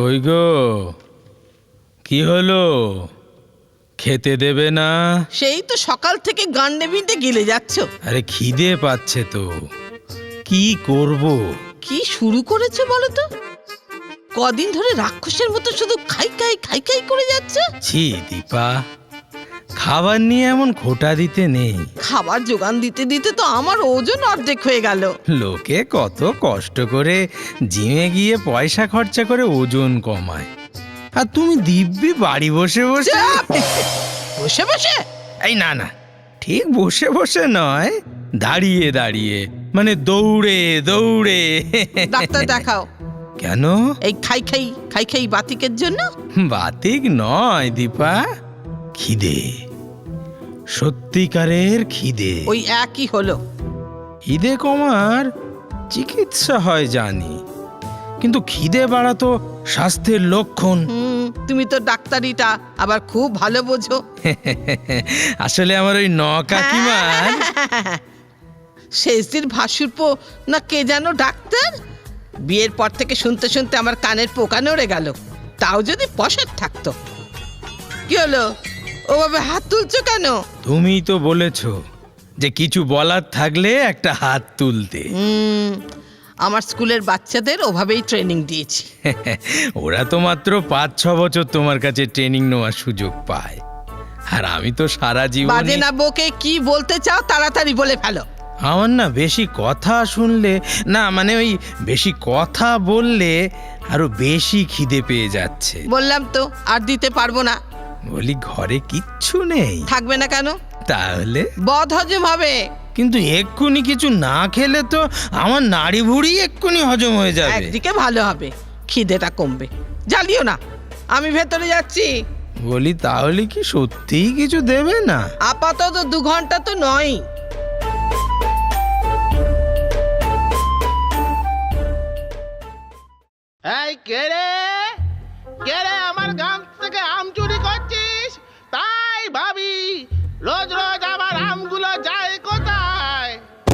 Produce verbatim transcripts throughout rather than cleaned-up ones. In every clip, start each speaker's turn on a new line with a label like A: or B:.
A: কই গো, কি হলো? খেতে দেবে না?
B: সেই তো সকাল থেকে গান্ডে বিন্ডে গিলে যাচ্ছ।
A: আরে খিদে পাচ্ছে তো, কি করব?
B: কি শুরু করেছো বলো তো? কদিন ধরে রাক্ষসের মতো শুধু খাই খাই খাই খাই করে যাচ্ছে।
A: ছি দীপা, খাবার নিয়ে এমন খোটা দিতে নেই।
B: খাবার জোগান দিতে দিতে তো আমার ওজন অর্ধেক হয়ে গেল।
A: লোকে কত কষ্ট করে জিমে গিয়ে পয়সা খরচা করে ওজন কমায়, আর তুমি দিব্যি বাড়ি বসে বসে
B: বসে বসে
A: এই না না, ঠিক বসে বসে নয়, দাঁড়িয়ে দাঁড়িয়ে, মানে দৌড়ে দৌড়ে।
B: ডাক্তার দেখাও।
A: কেন?
B: এই খাই খাই খাই খাই বাতিকের জন্য?
A: বাতিক নয় দীপা, খিদে, সত্যিকারের খিদে।
B: ওই একই হলো।
A: খিদে কমার চিকিৎসা হয় জানি, কিন্তু খিদে বাড়া তো স্বাস্থ্যের লক্ষণ।
B: হুম, তুমি তো ডাক্তারিটা আবার খুব ভালো বোঝো।
A: আসলে আমার ওই ন কাকিমার
B: শেষদিন ভাসুরপো না কে যেন ডাক্তার, বিয়ের পর থেকে শুনতে শুনতে আমার কানের পোকা নড়ে গেল। তাও যদি পশার থাকতো। কি হলো, ওভাবে হাত তুলছো কেন?
A: তুমি তো বলেছ যে কিছু বলার থাকলে একটা হাত তুলতে।
B: হুম, আমার স্কুলের বাচ্চাদের ওভাবেই ট্রেনিং দিয়েছি।
A: ওরা তো মাত্র পাঁচ ছ বছর তোমার কাছে ট্রেনিং নেওয়ার সুযোগ পায়, আর আমি তো সারা জীবন।
B: বাজে না বকে কি বলতে চাও তাড়াতাড়ি বলে ফেলো।
A: আমার না বেশি কথা শুনলে, না মানে ওই বেশি কথা বললে আরো বেশি খিদে পেয়ে যাচ্ছে।
B: বললাম তো আর দিতে পারবো না।
A: বলি ঘরে কিচ্ছু নেই?
B: থাকবে না কেন?
A: তাহলে
B: বদ হজম হবে।
A: কিন্তু এক্ষুনি কিছু না খেলে তো আমার নাড়ি ভুড়ি এক্ষুনি হজম হয়ে যাবে।
B: একদিকে ভালো হবে, খিদেটা কমবে। জ্বালিও না, আমি ভেতরে যাচ্ছি।
A: বলি তাহলে কি সত্যিই কিছু দেবে না?
B: আপাতত দু ঘন্টা তো নয়।
C: এই কে রে, কে রে আমার গান থেকে আম চুরি করছিস? তাই ভাবি রোজ রোজ আমার আমগুলো যায় কোথায়?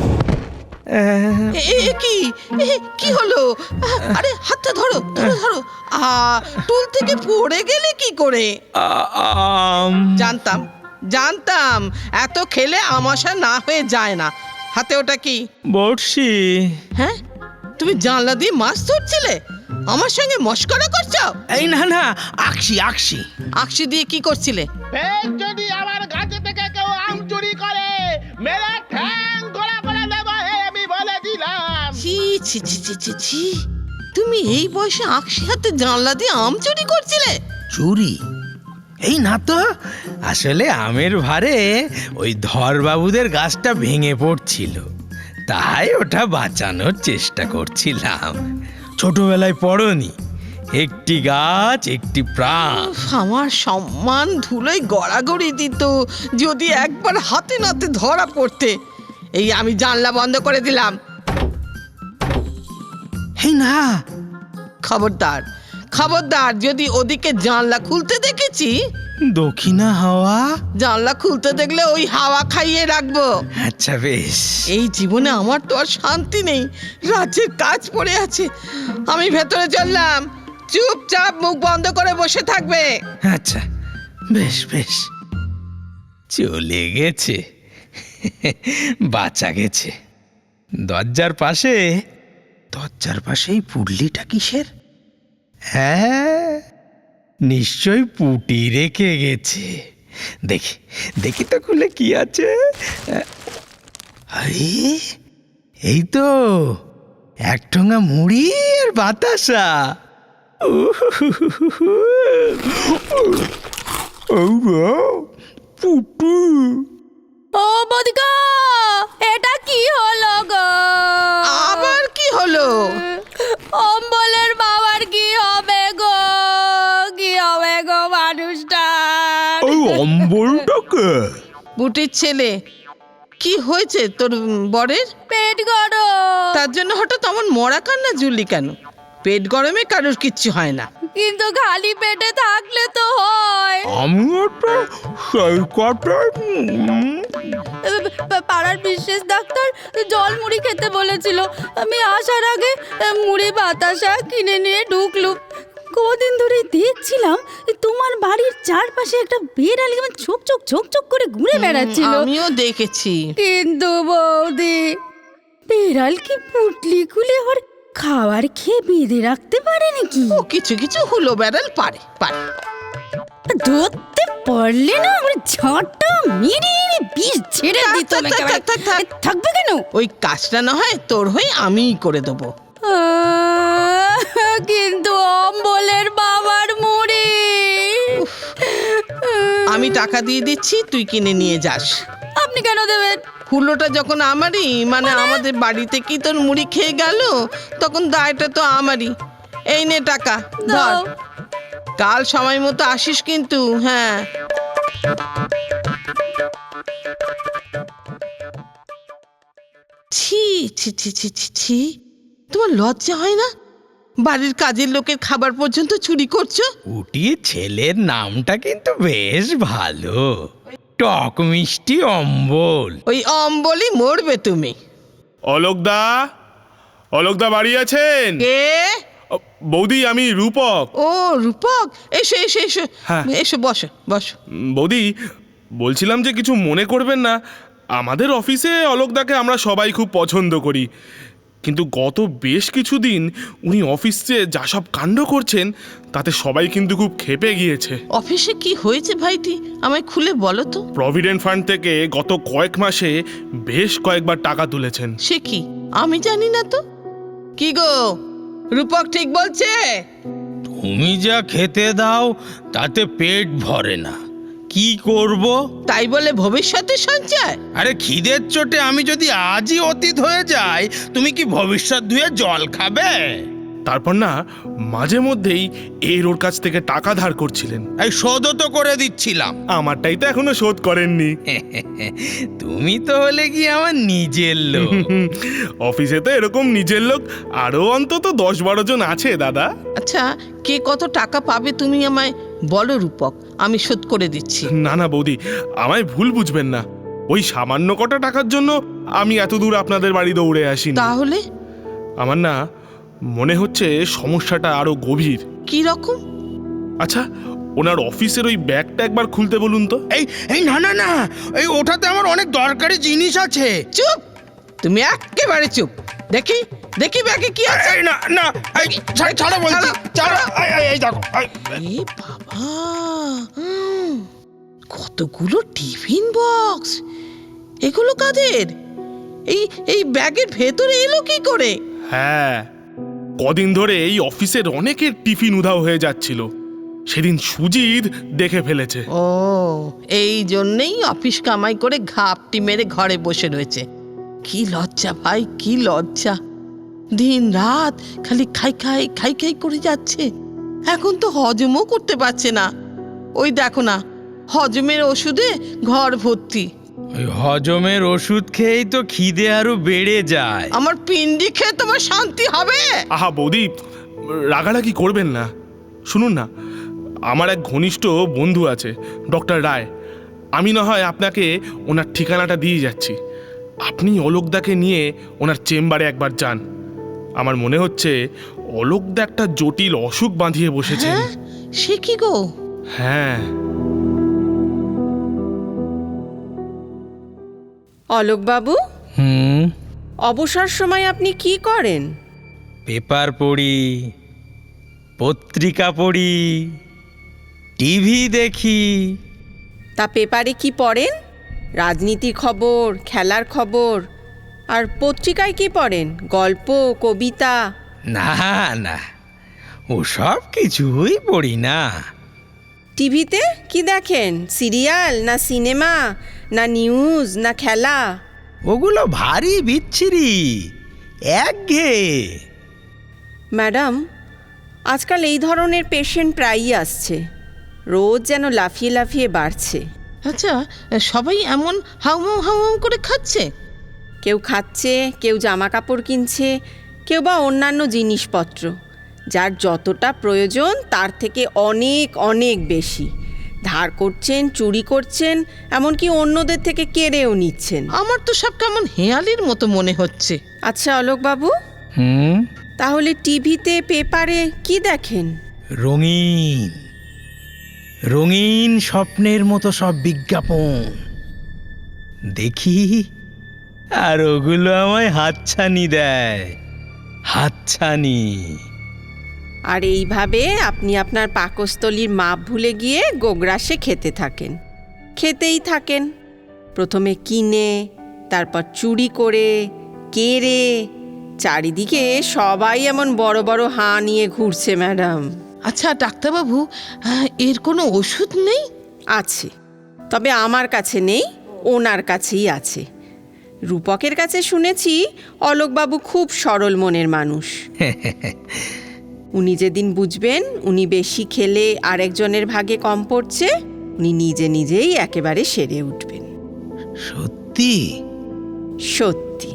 B: এ এ কি এ কি হলো? আরে হাতটা ধরো ধরো ধরো। আ টুল থেকে পড়ে গেলে কি করে?
A: আ- আম
B: জানতাম জানতাম এত খেলে আমাশা না হয়ে যায় না। হাতে ওটা কি?
A: বড়শি।
B: হ্যাঁ, তুমি জানলা দিয়ে মাছ ধরছিলে? আমার সঙ্গে মস্করা করছো?
A: এই না না, আকশি আকশি।
B: আকশি দিয়ে কি করছিলে?
C: ফের যদি আমার গাছে থেকে কেউ আম চুরি করে মেরে ঠ্যাং গোলা করে দেবো, হে আমি বলে দিলাম।
B: ছি ছি ছি ছি ছি ছি, তুমি এই বয়সে আকশি হাতে জানলা দিয়ে আম চুরি করছিলে?
A: চুরি? এই না তো, আসলে আমের ভারে ওই ধরবাবুদের গাছটা ভেঙে পড়ছিল, তাই ওটা বাঁচানোর চেষ্টা করছিলাম। ছোটবেলায় পড়নি, একটি গাছ একটি প্রাণ।
B: উফ, আমার সম্মান ধুলোয় গড়াগড়ি দিত যদি একবার হাতে নাতে ধরা পড়তে। এই আমি জানলা বন্ধ করে দিলাম।
A: এই না,
B: খবরদার খবরদার, যদি ওদিকে জানলা খুলতে দেখেছি,
A: দক্ষিণা হাওয়া।
B: জানলা খুলতে দেখলে ওই হাওয়া খাইয়ে রাখবো।
A: আচ্ছা বেশ।
B: এই জীবনে আমার তো আর শান্তি নেই, রাজ্যের কাজ পড়ে আছে। আমি ভেতরে চললাম, চুপচাপ মুখ বন্ধ করে বসে থাকবে।
A: আচ্ছা বেশ বেশ, চলে গেছে, বাঁচা গেছে। দরজার পাশে, দরজার পাশেই পুডলিটা কিসের? হ্যাঁ, নিশ্চয় পুটি রেখে গেছে। দেখি দেখি তো খুলে কি আছে। আরে এই তো এক ঠোঙা মুড়ি আর বাতাসা। পুটু।
D: ও বদিকা, এটা কি হলো গো?
B: আবার কি হলো?
D: অম্বলের বাবার কি হবে গো? কি হবে গো মানুষটা?
A: ওই অম্বলটাকে?
B: বুটির ছেলে, কি হয়েছে তোর বরের?
D: পেট গরম।
B: তার জন্য হঠাৎ এমন মরা কান্না জুড়লি কেন? পেট গরমে কারোর কিচ্ছু হয় না।
D: কিন্তু খালি পেটে থাকলে তো হয়।
A: আমিও তো সেই কথাই।
D: পা- পাড়ার বিশেষ ডাক্তার জল মুড়ি খেতে বলেছিল। আমি আসার আগে মুড়ি বাতাসা কিনে নিয়ে ঢুকলুম। কদিন ধরে দেখছিলাম তোমার বাড়ির চারপাশে একটা বিড়াল কেমন ছোক ছোক ছোক ছোক করে ঘুরে বেড়াচ্ছিল।
B: আমিও দেখেছি।
D: কিন্তু বৌদি, বিড়াল কি পুটলি খুলে ওর খাবার খেয়ে বেঁধে রাখতে পারে নাকি?
B: ও কিছু কিছু হুলো বেড়াল পারে পারে
D: ধরতে পারলে না আমার ঝাঁটা মেরে বিষ ছেড়ে দিত।
B: থাক, থাক, থাক, থাক, থাক।
D: থাকবে কেন?
B: ওই কাজটা না হয় তোর হয়ে আমিই করে দেবো।
D: আহ, কিন্তু অম্বলের বাবার মুড়ি।
B: আমি টাকা দিয়ে দিচ্ছি, তুই কিনে নিয়ে যাস।
D: আপনি কেন দেবেন?
B: হুলোটা যখন আমারই, মানে আমাদের বাড়িতে কি তোর মুড়ি খেয়ে গেল, তখন দায়টা তো আমারই। এই নে টাকা, ধর।
D: দাও।
B: কাল সময় মতো আসিস কিন্তু। হ্যাঁ, ছি ছি ছি ছি ছি ছি, তোমার লজ্জা হয় না? বাড়ির কাজের লোকের খাবার পর্যন্ত চুরি করছো।
A: উটি ছেলের নামটা কিন্তু বেশ ভালো, টক মিষ্টি অম্বল।
B: ওই অম্বলই মরবে তুমি।
E: অলোকদা, অলোকদা বাড়ি আছেন?
B: কে?
E: ও, বৌদি আমি রূপক।
B: ও রূপক, এসো এসো এসো,
E: হ্যাঁ।
B: এসো বসো বসো।
E: উম, বৌদি বলছিলাম যে কিছু মনে করবেন না, আমাদের অফিসে অলোকদাকে আমরা সবাই খুব পছন্দ করি, কিন্তু গত বেশ কিছুদিন উনি অফিসে যা সব কাণ্ড করছেন তাতে সবাই কিন্তু খুব ক্ষেপে গিয়েছে।
B: অফিসে কি হয়েছে ভাইটি, আমায় খুলে বলো তো।
E: প্রভিডেন্ট ফান্ড থেকে গত কয়েক মাসে বেশ কয়েকবার টাকা তুলেছেন।
B: সে কি, আমি জানি না তো। কি গো, রূপক ঠিক বলছে?
A: তুমি যা খেতে দাও তাতে পেট ভরে না, কি করব?
B: তাই বলে ভবিষ্যতে সঞ্চয়?
A: আরে খিদের চোটে আমি যদি আজই অতীত হয়ে যাই, তুমি কি ভবিষ্যৎ ধুয়ে জল খাবে?
E: তারপর না মাঝে মধ্যেই এর ওর কাছ থেকে টাকা ধার করছিলেন।
A: এই শোধও তো করে দিচ্ছিলাম।
E: আমারটাই তো এখনো শোধ করেননি।
A: তুমি তো হলে কি আমার নিজের লোক।
E: অফিসে তো এরকম নিজের লোক আরো অন্তত দশ বারো জন আছে দাদা।
B: আচ্ছা, কে কত টাকা পাবে তুমি আমায় বলো রূপক, আমি শোধ করে দিচ্ছি।
E: না না বৌদি, আমায় ভুল বুঝবেন না, ওই সামান্য কটা টাকার জন্য আমি এত দূর আপনাদের বাড়ি দৌড়ে আসিনি।
B: তাহলে
E: আমার না মনে হচ্ছে সমস্যাটা আরো গভীর।
B: কি রকম?
E: আচ্ছা, ওনার অফিসের ওই ব্যাগটা একবার খুলতে বলুন তো।
A: এই এই না না না, এই ওটাতে আমার অনেক দরকারি জিনিস আছে।
B: চুপ, তুমি একেবারে চুপ। দেখি দেখি ব্যাগে কি আছে।
A: এই না না, এই ছাড়ো ছাড়ো বলছি, ছাড়ো। এই, এই, এই দেখো, এই,
B: এ বাবা, হুম, কতগুলো টিফিন বক্স। এগুলো কাদের? এই এই ব্যাগের ভেতরে এলো কি করে?
E: হ্যাঁ, কদিন ধরে এই অফিসের অনেকের টিফিন উধাও হয়ে যাচ্ছিল, সেদিন সুজিত দেখে ফেলেছে।
B: ও, এই জন্যেই অফিস কামাই করে ঘাপটি মেরে ঘরে বসে রয়েছে। কি লজ্জা ভাই, কি লজ্জা। দিন রাত খালি খাই খাই খাই খাই করে যাচ্ছে, এখন তো হজমও করতে পারছে না। ওই দেখো না, হজমের ওষুধে ঘর ভর্তি।
A: ওই হজমের ওষুধ খেয়েই তো খিদে আরো বেড়ে যায়।
B: আমার পিন্ডি খেয়ে তোমার শান্তি হবে?
E: আহা বৌদি, রাগারাগি করবেন না। শুনুন না, আমার এক ঘনিষ্ঠ বন্ধু আছে ডক্টর রায়, আমি না হয় আপনাকে ওনার ঠিকানাটা দিয়ে যাচ্ছি। আপনি অলোকদাকে নিয়ে ওনার চেম্বারে একবার যান। আমার মনে হচ্ছে অলোকদা একটা জটিল অসুখ বাঁধিয়ে বসেছেন।
B: হ্যাঁ, সে কি গো?
E: হ্যাঁ।
F: অলোকবাবু,
A: হুম,
F: অবসর সময় আপনি কি করেন?
A: পেপার পড়ি, পত্রিকা পড়ি, টিভি দেখি।
F: তা পেপারে কি পড়েন? রাজনীতির খবর, খেলার খবর? আর পত্রিকায় কি পড়েন? গল্প, কবিতা?
A: না না, ওসব কিছুই পড়ি না।
F: টিভিতে কি দেখেন? সিরিয়াল না সিনেমা না নিউজ না খেলা?
A: ওগুলো ভারী বিচ্ছিরি, একঘেয়ে।
F: ম্যাডাম, আজকাল এই ধরনের পেশেন্ট প্রায়ই আসছে, রোজ যেন লাফিয়ে লাফিয়ে বাড়ছে।
B: আচ্ছা, সবাই এমন হাউমাউ হাউমাউ করে খাচ্ছে?
F: কেউ খাচ্ছে, কেউ জামা কাপড় কিনছে, কেউ বা অন্যান্য জিনিসপত্র, যার যতটা প্রয়োজন তার থেকে অনেক অনেক বেশি ধার করছেন, চুরি করছেন, এমনকি অন্যদের থেকে কেড়েও নিচ্ছেন।
B: আমার তো সব কেমন হেয়ালির মতো মনে হচ্ছে।
F: আচ্ছা অলোকবাবু,
A: হুম,
F: তাহলে টিভিতে পেপারে কি দেখেন?
A: রঙিন রঙিন স্বপ্নের মতো সব বিজ্ঞাপন দেখি, আর ওগুলো আমায় হাতছানি দেয়, হাতছানি।
F: আর এইভাবে আপনি আপনার পাকস্থলীর মাপ ভুলে গিয়ে গোগ্রাসে খেতে থাকেন, খেতেই থাকেন। প্রথমে কিনে, তারপর চুরি করে, কেড়ে। চারিদিকে সবাই এমন বড় বড় হাঁ নিয়ে ঘুরছে ম্যাডাম।
B: আচ্ছা ডাক্তারবাবু, আহ, এর কোনো ওষুধ নেই?
F: আছে, তবে আমার কাছে নেই, ওনার কাছেই আছে। রূপকের কাছে শুনেছি অলোকবাবু খুব সরল মনের মানুষ। উনি যেদিন বুঝবেন উনি বেশি খেলে আরেকজনের ভাগে কম পড়ছে, উনি নিজে নিজেই একেবারে সেরে উঠবেন।
A: সত্যি?
F: সত্যি।